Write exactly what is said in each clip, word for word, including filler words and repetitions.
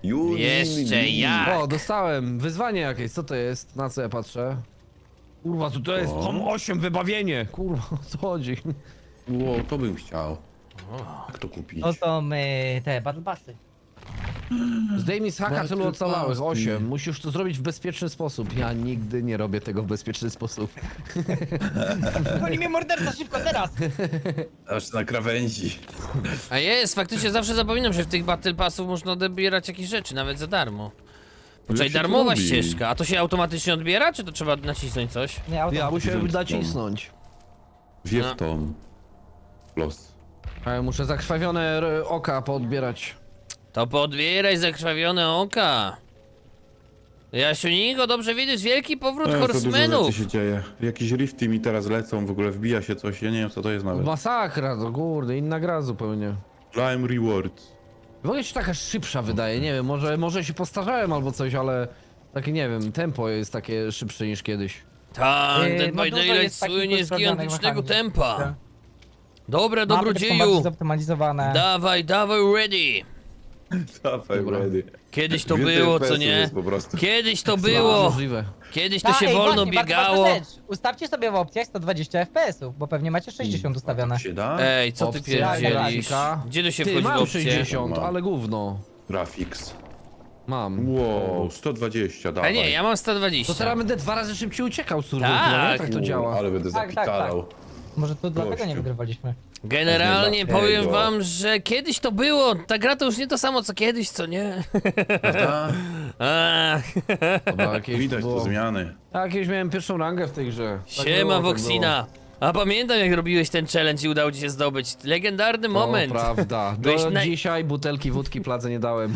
You Jeszcze need me. jak? O, dostałem wyzwanie jakieś, co to jest? Na co ja patrzę? Kurwa, to, to jest O. tom osiem wybawienie. Kurwa, o co chodzi? Wow, to bym chciał. Jak to kupić? To są y, te battle passy. Zdejmij z haka tylu ocalałych, Battle osiem. Musisz to zrobić w bezpieczny sposób. Ja nigdy nie robię tego w bezpieczny sposób. Goni mnie morderca, szybko, teraz! Aż na krawędzi. A jest, faktycznie zawsze zapominam, że w tych Battle Passów można odbierać jakieś rzeczy, nawet za darmo. Czyli się to darmowa robi? ścieżka, a to się automatycznie odbiera, czy to trzeba nacisnąć coś? Nie, auto. Ja musiałem Zemstą. nacisnąć. Wiew No. Tom. Los. A ja muszę zakrwawione r- oka poodbierać. To podbieraj zakrwawione oka. Jasiunigo, dobrze widzisz, wielki powrót E, to dużo horsemenów. rzeczy się dzieje. Jakieś rifty mi teraz lecą, w ogóle wbija się coś, ja nie wiem co to jest nawet. Masakra, to kurde, inna gra zupełnie. Climb Rewards. W ogóle się taka szybsza wydaje, nie wiem, może, może się postarzałem albo coś, ale takie nie wiem, tempo jest takie szybsze niż kiedyś. Tak, Yy, Dead no by dużo Daylight jest takich słynie z ustawionych gigantycznego mechanizmów. tempa. Dobra, Mapy też są dobrodzieju. bardziej zoptymalizowane. Dawaj, dawaj, ready. Dawaj, Dobra. ready. Kiedyś to Więcej było, F P co S-ów nie? jest po prostu. Kiedyś to A, było. możliwe. Kiedyś to Ta, się ej, wolno właśnie, bardzo biegało. ważna rzecz. Ustawcie sobie w opcjach sto dwadzieścia F P S-ów, bo pewnie macie sześćdziesiąt ustawione. Się da? Ej, co ty Opcja, pierdzielisz? grafika. Gdzie tu się Ty, wchodzi w mam opcję? sześćdziesiąt, Mam. ale gówno. Graphics. Mam. Wow, sto dwadzieścia, A dawaj. nie, ja mam sto To dwadzieścia. teraz będę dwa razy szybciej uciekał, survival, Tak. nie? Tak to Uuu, działa. Ale będę Tak, tak, zapitalał. Może to dlatego nie Gościu. wygrywaliśmy. Generalnie Dlatego. powiem wam, że kiedyś to było. Ta gra to już nie to samo co kiedyś, co nie? Prawda? Ach, Dobra, jakieś Widać było... to zmiany. Ja jakieś miałem pierwszą rangę w tej grze. Tak siema było, tak Voxina. A pamiętam jak robiłeś ten challenge i udało ci się zdobyć. Legendarny było. moment. O, prawda. Do Byłeś naj- dzisiaj butelki wódki Pladze nie dałem.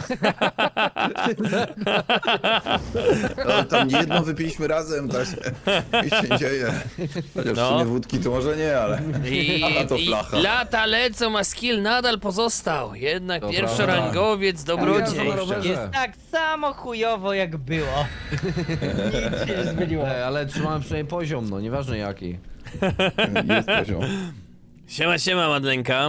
No, tam nie jedno wypiliśmy razem, tak się, się dzieje. Chociaż No. w sumie wódki to może nie, ale... I, A to i flacha. lata lecą, a skill nadal pozostał. Jednak To pierwszorangowiec, Ja dobrodziej. na rowerze. Jest tak samo chujowo jak było. Nic się nie zmieniło. Ej, ale trzymałem przynajmniej poziom, no nieważne jaki. Jest poziom. Siema, siema Madlenka.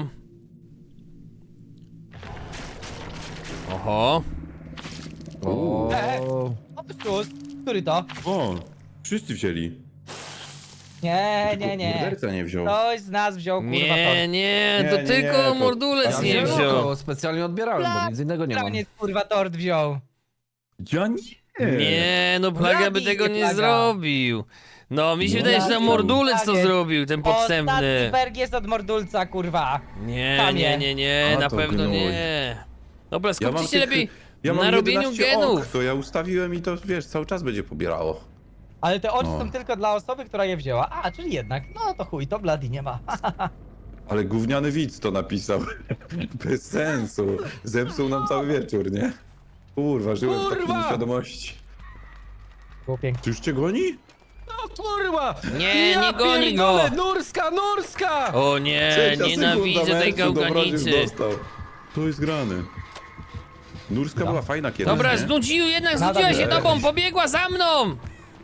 Oho. O, E, Otóż, który to? O, wszyscy wzięli. Nie, Tylko nie, nie. morderca nie wziął. Ktoś z nas wziął kurwa Nie, tor. nie, Nie, to nie, tylko nie, to- mordulec Ja nie wziąłem wziął. oko, specjalnie odbierałem, bo nic innego nie mam. Planiec kurwa tort wziął. Ja nie. Nie, no Plaga by Bladi, tego nie Plaga. zrobił. No, mi się No, wydaje, że Bladi. to mordulec to Plagiec. zrobił, ten Ostatni podstępny. berg jest od mordulca kurwa. Nie, Tam nie, je. nie, nie, A, na to pewno gnój. nie. Dobra, Ja mam skupcie się tych- lepiej ja mam na robieniu jedenaście genów. Ok, to ja ustawiłem i to wiesz, cały czas będzie pobierało. Ale te oczy No. są tylko dla osoby, która je wzięła. A, czyli jednak. No to chuj, to Bladi nie ma. Ale gówniany widz to napisał. Bez sensu. Zepsuł nam cały wieczór, nie? Kurwa, żyłem w takiej Kurwa! nieświadomości. Było pięknie. Czy już cię goni? No kurwa! Nie, ja nie goni pierdolę, go. Nurska, Nurska! O nie, Trzecia nienawidzę sekunda tej meczu, Dobrodziej gałganicy. dostał. To jest grane. Nurska była fajna kiedyś, Dobra, nie? znudził, jednak Nadal znudziła się nie. tobą, pobiegła za mną!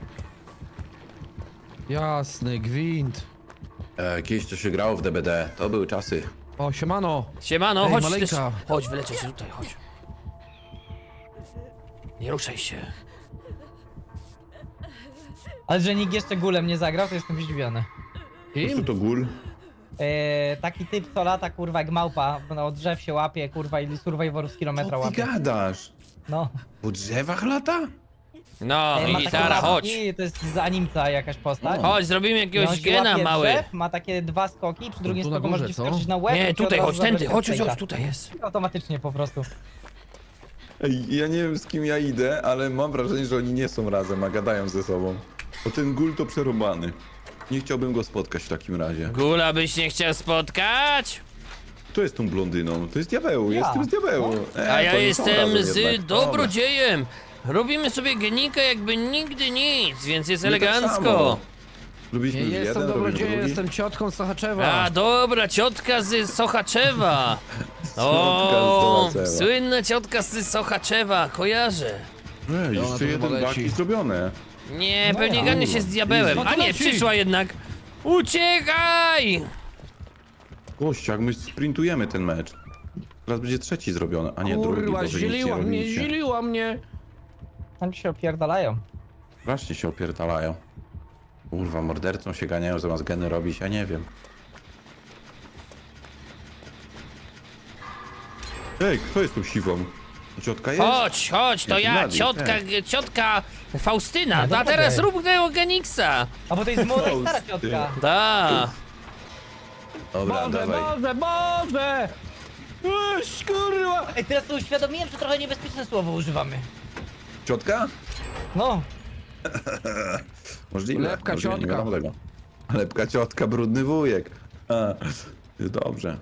Jasny gwint. E, kiedyś to się grało w D B D, to były czasy. O, siemano. Siemano, Ej, chodź maleńka. też. Chodź, wyleczę się tutaj, chodź. Nie ruszaj się. Ale że nikt jeszcze gulem nie zagrał, to jestem zdziwiony. Po prostu Kim? to gól. Eee, taki typ co lata kurwa jak małpa, no od drzew się łapie kurwa i survivorów z kilometra Co ty łapie. gadasz? No. Po drzewach lata? No, Eee, ma takie gitara, chodź. łapki, to jest z animca jakaś postać. O. Chodź, zrobimy I on jakiegoś się gena łapie mały. drzew, ma takie dwa skoki, przy drugim tu na skoku górze, możesz co? wskoczyć na łeb. Nie, i ci od tutaj, razu chodź tędy, zabrać chodź, chodź, steaka. chodź, tutaj jest. Automatycznie po prostu. Ej, ja nie wiem z kim ja idę, ale mam wrażenie, że oni nie są razem, a gadają ze sobą. Bo ten gól to przerobany. Nie chciałbym go spotkać w takim razie. Gula byś nie chciał spotkać? Kto jest tą blondyną? To jest diabeł, Ja. jestem z diabeł. E, A ja to oni są jestem razem z jednak. dobrodziejem. Robimy sobie genika jakby nigdy nic, więc jest My tak elegancko. samo. Robiliśmy Nie już jestem jeden, robimy dobrodziejem, drugi. jestem ciotką Sochaczewa. A dobra, ciotka z Sochaczewa. Ciotka O, z Sochaczewa. słynna ciotka z Sochaczewa, kojarzę. Ej, Ona jeszcze to jeden chyba baki leci. zrobione. Nie, No pewnie ja. ganie się z diabełem. No to A nie, leci. przyszła jednak. Uciekaj! Gość, jak my sprintujemy ten mecz. Teraz będzie trzeci zrobiony, a nie drugi, Kurwa, bo wy nic nie ziliła mnie, robicie. ziliła mnie. Tam się opierdalają. Właśnie się opierdalają. Kurwa, mordercą się ganiają zamiast geny robić, ja nie wiem. Ej, kto jest tu siwą? Ciotka jest? Chodź, chodź, to Jak ja, Blady, ciotka, tak. ciotka Faustyna. No A dobra, teraz okej. rób tego Geniksa. A bo to jest młoda i stara Fausty. ciotka. Da. Dobra, Boże, dawaj. Boże, Boże! Uś, kurwa! Ej, teraz to uświadomiłem, że trochę niebezpieczne słowo używamy. Ciotka? No. Możliwe. Lepka możliwe, nie ciotka. wiadomo tego. Lepka ciotka, brudny wujek. A, dobrze.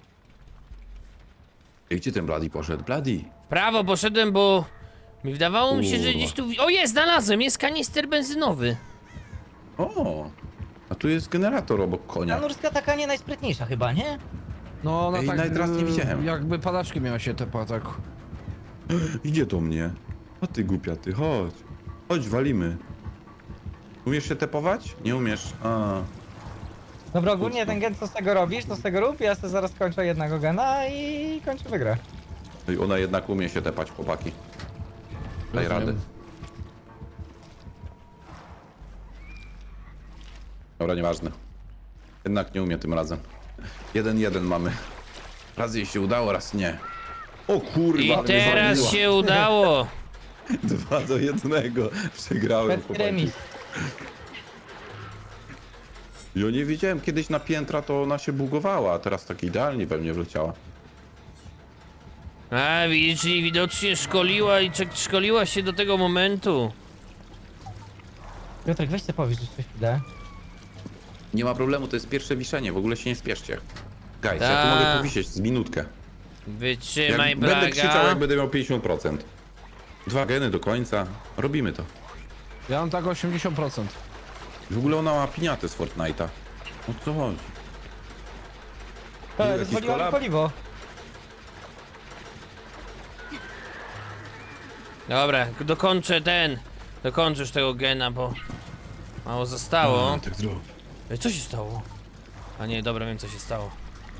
I gdzie ten Bloody poszedł? Bloody. W prawo poszedłem, bo mi wydawało mi się, że Kurwa. gdzieś tu... O, jest, znalazłem, jest kanister benzynowy. O, a tu jest generator obok Ta konia. nurska taka nie najsprytniejsza chyba, nie? No ona Ej, tak, nawet raz nie y, widziałem. jakby padaczki miała się tepa, tak. Idzie do mnie. O ty głupia, ty, chodź. Chodź, walimy. Umiesz się tepować? Nie umiesz. A. Dobra, ogólnie Mocno. ten gen co z tego robisz, to z tego rób, ja sobie zaraz kończę jednego gena i kończę wygrę. No i ona jednak umie się tepać, chłopaki. Daj Rozumiem. radę. Dobra, nieważne. Jednak nie umie tym razem. Jeden, jeden mamy. Raz jej się udało, raz nie. O kurwa, I mnie teraz zwaliła. się udało. Dwa do jednego. Przegrałem, Perfekt chłopaki. remis. Ja nie wiedziałem, kiedyś na piętra to ona się bugowała, a teraz tak idealnie we mnie wleciała. A, widzisz, czyli widocznie szkoliła i czek- szkoliła się do tego momentu. Piotrek, weź sobie powiedz jeszcze chwilę. Nie ma problemu, to jest pierwsze wiszenie, w ogóle się nie spieszcie. Guys, ja tu Ta. mogę powisieć z minutkę. Wytrzymaj, Jak będę krzyczał, Braga. jak będę miał pięćdziesiąt procent. Dwa geny do końca. Robimy to. Ja mam tak osiemdziesiąt procent. W ogóle ona ma piniatę z Fortnite'a. O co chodzi? To Jakiś rozwaliła mi kolab? paliwo. Dobra, dokończę ten. Dokończysz tego gena, bo mało zostało. A, tak zrób. Ej, co się stało? A nie, dobra, wiem co się stało.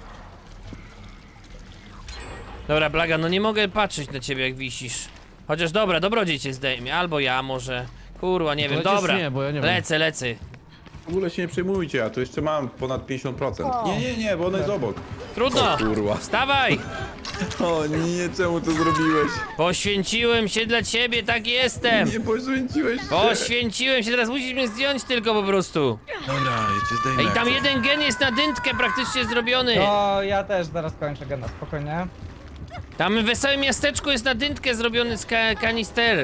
Dobra, Blaga, no nie mogę patrzeć na ciebie jak wisisz. Chociaż dobra, dobrodziej cię zdejmie, albo ja może. Kurwa, nie To wiem, lecisz dobra. czy nie, bo ja nie wiem. Lecę, lecę. W ogóle się nie przejmujcie, ja tu jeszcze mam ponad pięćdziesiąt procent. O. Nie, nie, nie, bo ona jest obok. Trudno! O kurwa. Wstawaj! O nie, czemu to zrobiłeś? Poświęciłem się dla ciebie, tak jestem! Nie poświęciłeś się. Poświęciłem się, teraz musisz mnie zdjąć tylko po prostu. Dobra, ja cię zdejmę. Ej, jak tam coś. jeden gen jest na dętkę praktycznie zrobiony. No, ja też zaraz kończę gena, spokojnie. Tam w wesołym miasteczku jest na dętkę zrobiony z ka kanister.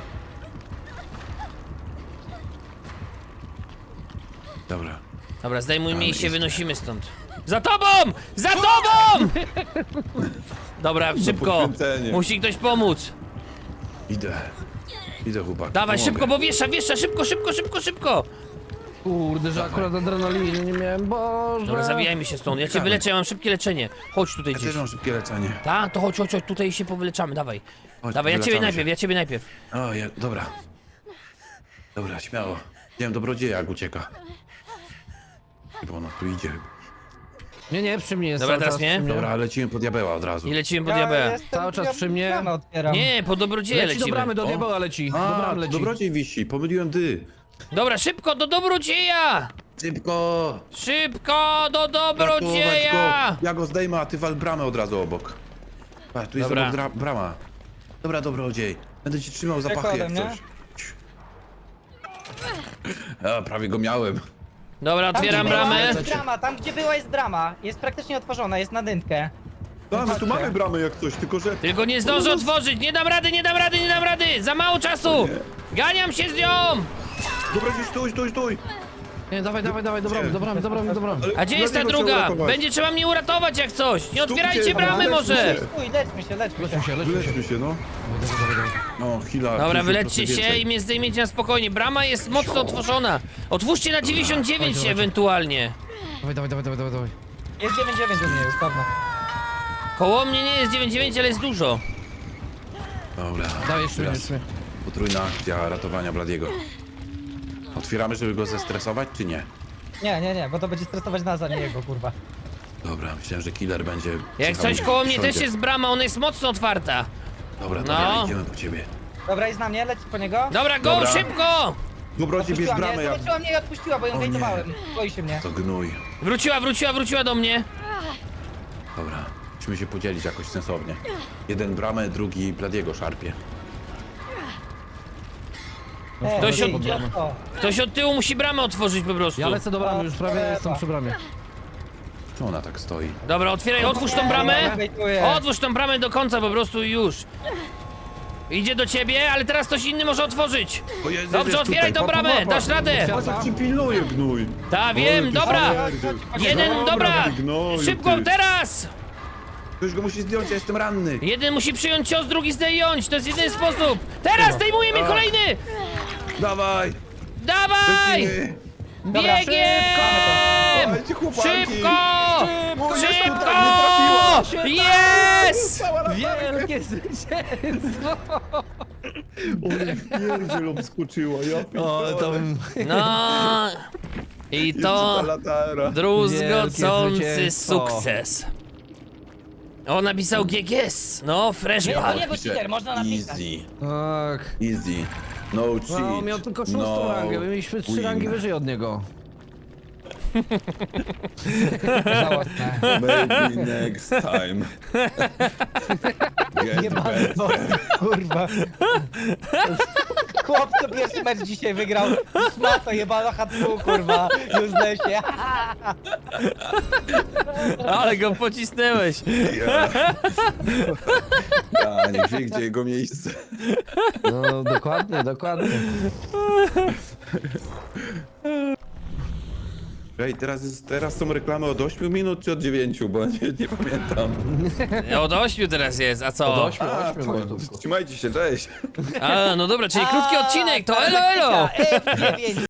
Dobra. Dobra, zdejmujmy Ale i się jest. wynosimy stąd. Za tobą! Za tobą! Dobra, szybko. poświęcenie. Musi ktoś pomóc. Idę. Idę, chłopak. Dawaj, pomogę. szybko, bo wiesza, wiesza, szybko, szybko, szybko, szybko. Kurde, że akurat adrenaliny nie miałem, boże. Dobra, zawijajmy się stąd. Ja cię Dawaj. wyleczę, ja mam szybkie leczenie. Chodź tutaj Ja gdzieś. też mam szybkie leczenie. Tak, to chodź, chodź, chodź, tutaj się powyleczamy, dawaj. Chodź, Dawaj, ja ciebie wyleczamy najpierw, się. ja ciebie najpierw. O, ja, dobra. Dobra, śmiało. Widziałem dobrodzieja, jak ucieka. Bo ona tu idzie. Nie, nie, przy mnie jest Dobra, cały teraz czas nie? przy mnie. Dobra, lecimy po diabeła od razu. I lecimy po diabeła. jestem- Cały czas ja przy mnie? bramę otwieram. Nie, po dobrodzieja Leci do lecimy. bramy, do O. diabeła leci. Do A, bramy leci. dobrodziej wisi, pomyliłem dy. Dobra, szybko, do dobrodzieja! Szybko! Szybko, do Ratować dobrodzieja! go. Ja go zdejmę, a ty wal bramę od razu obok. Patrz, tu jest Dobra. obok dra- brama. Dobra, dobrodziej. Będę ci trzymał za Czekaj pachy ode jak mnie. coś. A, prawie go miałem. Dobra, Tam, otwieram gdzie była, bramę. jest brama, tam gdzie była jest brama. Jest praktycznie otworzona, jest na dętkę. No, my tu Chodźcie. mamy bramę jak coś, tylko że... Tylko nie zdążę otworzyć, nie dam rady, nie dam rady, nie dam rady! Za mało czasu! Ganiam się z nią! Dobrodziej, stój, stój, stój! Nie, dawaj, dawaj, dawaj, do bramy, do bramy, do bramy, do bramy. Ale A gdzie jest ta dlaczego trzeba druga? uratować? Będzie trzeba mnie uratować jak coś! Nie Stójcie, otwierajcie bramy ale może! lećmy się. Stój, leczmy się, leczmy się. Lećmy się, lećmy się. Wylećmy się, no. No, chwila. Dobra, pięćdziesiąt wylećcie procent się więcej. i mnie zdejmiecie na spokojnie. Brama jest mocno otworzona. Otwórzcie na dziewięćdziesiąt dziewięć Dawaj, dawaj. ewentualnie. Dawaj, dawaj, dawaj, dawaj, dawaj. Jest dziewięć dziewięć u mnie, już pewno. Koło mnie nie jest dziewięć dziewięć, ale jest dużo. Dobra, Dawaj, jeszcze mnie, teraz jeszcze mnie. potrójna akcja ratowania Bladiego. Otwieramy, żeby go zestresować, czy nie? Nie, nie, nie, bo to będzie stresować nas, a nie jego, kurwa. Dobra, myślałem, że killer będzie... Jak czekał coś koło mnie wszędzie. też jest brama, ona jest mocno otwarta. Dobra, dobra, No. idziemy po ciebie. Dobra, jest na mnie, leci po niego. Dobra, go, Dobra. szybko! Dobroci, bierz Odpuściła mnie, bramę, ja... zobaczyła mnie i odpuściła, bo ją O nie. hejtowałem. Boi się mnie. To gnój. Wróciła, wróciła, wróciła do mnie. Dobra, musimy się podzielić jakoś sensownie. Jeden bramę, drugi Bladiego szarpie. Ej, Ktoś ej, od- idioto. Ktoś od tyłu musi bramę otworzyć po prostu. Ja lecę do bramy, już prawie Trzeba. jestem przy bramie. Czemu ona tak stoi? Dobra, otwieraj, otwórz tą Ja bramę. hejtuję. Otwórz tą bramę do końca po prostu i już. Idzie do ciebie, ale teraz ktoś inny może otworzyć. O Jezu, Dobrze, jest otwieraj tutaj, tą pa, pa, bramę, pa, pa. dasz radę. Patrz jak ci pilnuje gnój. Ta, wiem, ty dobra. śmierdziel. Jeden, dobra. ty gnoju, Szybko, ty. teraz. Ktoś go musi zdjąć, ja jestem ranny. Jeden musi przyjąć cios, drugi zdjąć. To jest jedyny sposób. Teraz zdejmuje mnie kolejny. Dawaj! Dawaj. Lecimy. Dobra, Biegiem. Dawajcie, chłopaki. Szybko. O, jest Szybko. tutaj, nie trafiła. Jest. Cała latarka. Wielkie zwycięstwo! Oj, pierdziel obskoczyła, ja O, pitole. to bym... No. I Jeszcze to ta latara. druzgocący zwycięstwo. sukces. O, napisał G G S. No, fresh Nie, ball. to nie był cheater, można napisać. Easy, Tak. easy. No cheat. No, on miał tylko szóstą no rangę, my mieliśmy trzy win. rangi wyżej od niego. Żałosne. Maybe next time. Get Jebany better. bot, kurwa. Chłop, co pierwszy mecz dzisiaj wygrał. Szmato, jebana hatfu, kurwa. Już lesie. Ale go pocisnęłeś. Ja. Ja, niech wie, gdzie jego miejsce. No, dokładnie, dokładnie. Ej, teraz, jest, teraz są reklamy od ośmiu minut czy od dziewięciu, bo nie, nie pamiętam. Od ośmiu teraz jest, a co? Od ośmiu, A, ośmiu to- gotówków. trzymajcie się, cześć. A, no dobra, czyli krótki odcinek, to elo elo! F dziewięć.